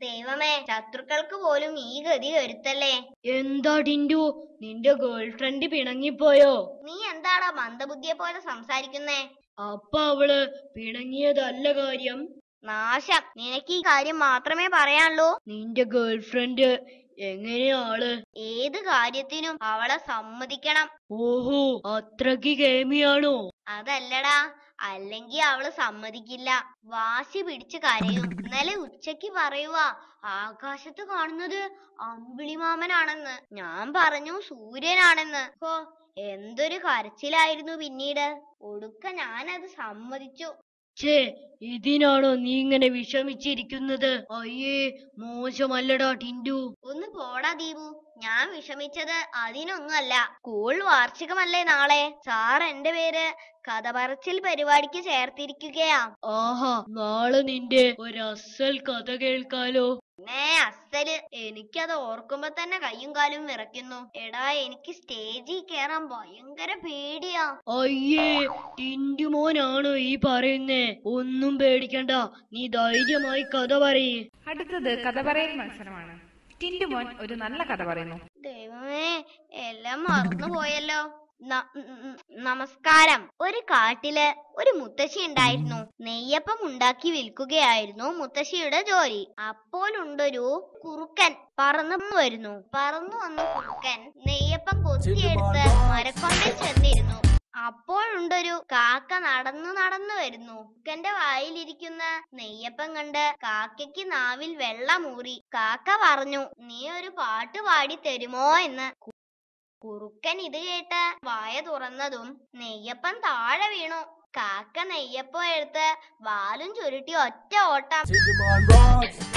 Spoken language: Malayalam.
ദൈവമേ, ശത്രുക്കൾക്ക് പോലും ഈ ഗതി വരുത്തല്ലേ. എന്താ ടിൻഡു, നിന്റെ ഗേൾ ഫ്രണ്ട് പിണങ്ങിപ്പോയോ? നീ എന്താടാ മന്ദബുദ്ധിയെ പോലെ സംസാരിക്കുന്നേ? അപ്പ അവള് പിണങ്ങിയതല്ല കാര്യം. നാശം, നിനക്ക് ഈ കാര്യം മാത്രമേ പറയാനുള്ളൂ. നിന്റെ ഗേൾ ഫ്രണ്ട് എങ്ങനെയാ ആള്? ഏത് കാര്യത്തിനും അവളെ സമ്മതിക്കണം. ഓഹോ, അത്രക്ക് കേമിയാണോ? അതല്ലടാ, അല്ലെങ്കി അവള് സമ്മതിക്കില്ല. വാശി പിടിച്ച് കരയും. ഇന്നലെ ഉച്ചക്ക് പറയുവാ ആകാശത്ത് കാണുന്നത് അമ്പിളിമാമനാണെന്ന്. ഞാൻ പറഞ്ഞു സൂര്യനാണെന്ന്. ഹോ, എന്തൊരു കരച്ചിലായിരുന്നു പിന്നീട്. ഒടുക്ക ഞാനത് സമ്മതിച്ചു. ഛേ, ഇതിനാണോ നീ ഇങ്ങനെ വിഷമിച്ചിരിക്കുന്നത്? അയ്യേ, മോശമല്ലടാ ടിൻഡു. ഒന്ന് പോടാ ദീപു, ഞാൻ വിഷമിച്ചത് അതിനൊന്നുമല്ല. സ്കൂൾ വാർഷികമല്ലേ നാളെ. സാർ എന്റെ പേര് കഥ പറച്ചിൽ പരിപാടിക്ക് ചേർത്തിരിക്കുകയാ. ആഹാ, നാളെ നിന്റെ ഒരസൽ കഥ കേൾക്കാലോ. അസല്, എനിക്കത് ഓർക്കുമ്പോ തന്നെ കയ്യും കാലും വിറയ്ക്കുന്നു. എടാ, എനിക്ക് സ്റ്റേജിൽ കേറാൻ ഭയങ്കര പേടിയാ. അയ്യേ, ടിൻഡു മോനാണോ ഈ പറയുന്നേ? ഒന്നും പേടിക്കണ്ട, നീ ധൈര്യമായി കഥ പറയേ. അടുത്തത് കഥ പറയൽ മത്സരമാണ്. ടിൻഡു മോൻ ഒരു നല്ല കഥ പറയുന്നു. ദൈവമേ, എല്ലാം മറന്നു പോയല്ലോ. നമസ്കാരം. ഒരു കാട്ടില് ഒരു മുത്തശ്ശി ഉണ്ടായിരുന്നു. നെയ്യപ്പം ഉണ്ടാക്കി വിൽക്കുകയായിരുന്നു മുത്തശ്ശിയുടെ ജോലി. അപ്പോഴുണ്ടൊരു കുറുക്കൻ പറന്നു വന്ന കുറുക്കൻ നെയ്യപ്പം കൊത്തിയെടുത്ത് മരക്കൊണ്ടിൽ ചെന്നിരുന്നു. അപ്പോഴുണ്ടൊരു കാക്ക നടന്നു വരുന്നു. കുറുക്കന്റെ വായിലിരിക്കുന്ന നെയ്യപ്പം കണ്ട് കാക്കയ്ക്ക് നാവിൽ വെള്ളമൂറി. കാക്ക പറഞ്ഞു, നീ ഒരു പാട്ട് പാടി തരുമോ എന്ന്. കുറുക്കൻ ഇത് കേട്ട് വായ തുറന്നതും നെയ്യപ്പം താഴെ വീണു. കാക്ക നെയ്യപ്പം എടുത്ത് വാലും ചുരുട്ടി ഒറ്റ ഓട്ടം.